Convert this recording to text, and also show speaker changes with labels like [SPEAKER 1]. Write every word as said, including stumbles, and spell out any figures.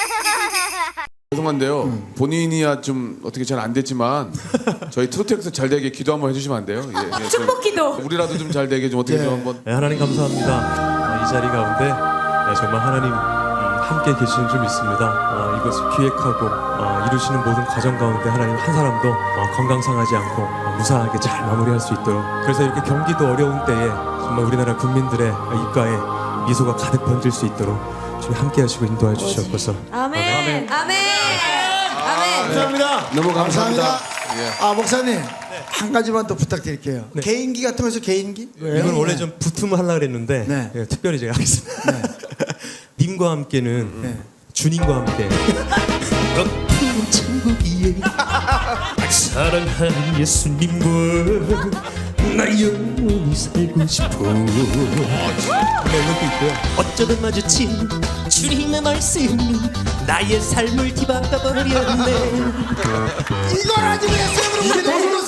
[SPEAKER 1] 죄송한데요. 본인이야 좀 어떻게 잘 안 됐지만 저희 트로트엑스 잘 되게 기도 한번 해주시면 안 돼요? 예, 예,
[SPEAKER 2] 축복 기도.
[SPEAKER 1] 우리라도 좀 잘 되게 좀 어떻게 좀 한번.
[SPEAKER 3] 네, 하나님 감사합니다. 아, 이 자리 가운데 네, 정말 하나님 음, 함께 계시는 줄 믿습니다. 아, 이것을 기획하고 아, 이루시는 모든 과정 가운데 하나님 한 사람도 아, 건강 상하지 않고 아, 무사하게 잘 마무리할 수 있도록, 그래서 이렇게 경기도 어려운 때에 정말 우리나라 국민들의 입가에 미소가 가득 번질 수 있도록 주님 함께 하시고 인도해 주시옵소서.
[SPEAKER 2] 아멘. 아멘. 아멘.
[SPEAKER 4] 감사합니다.
[SPEAKER 1] 너무 감사합니다. 예.
[SPEAKER 4] 아 목사님 한 가지만 더 부탁드릴게요.
[SPEAKER 3] 네.
[SPEAKER 4] 개인기 같은 거에서 개인기?
[SPEAKER 3] 이건 원래 좀 붙으면 하려고 그랬는데
[SPEAKER 4] 네.
[SPEAKER 3] 예, 특별히 제가 하겠습니다. 님과 함께는
[SPEAKER 4] 네.
[SPEAKER 3] 주님과 함께 푸른 천국이에 사랑하는 예수님과 나 영원히 살고 싶어. 멜로디 있고요. 어쩌다 마주친 주님의 말씀이 나의 삶을 뒤바꿔 버렸네.
[SPEAKER 4] 이걸 아직 했어요. 우리 너무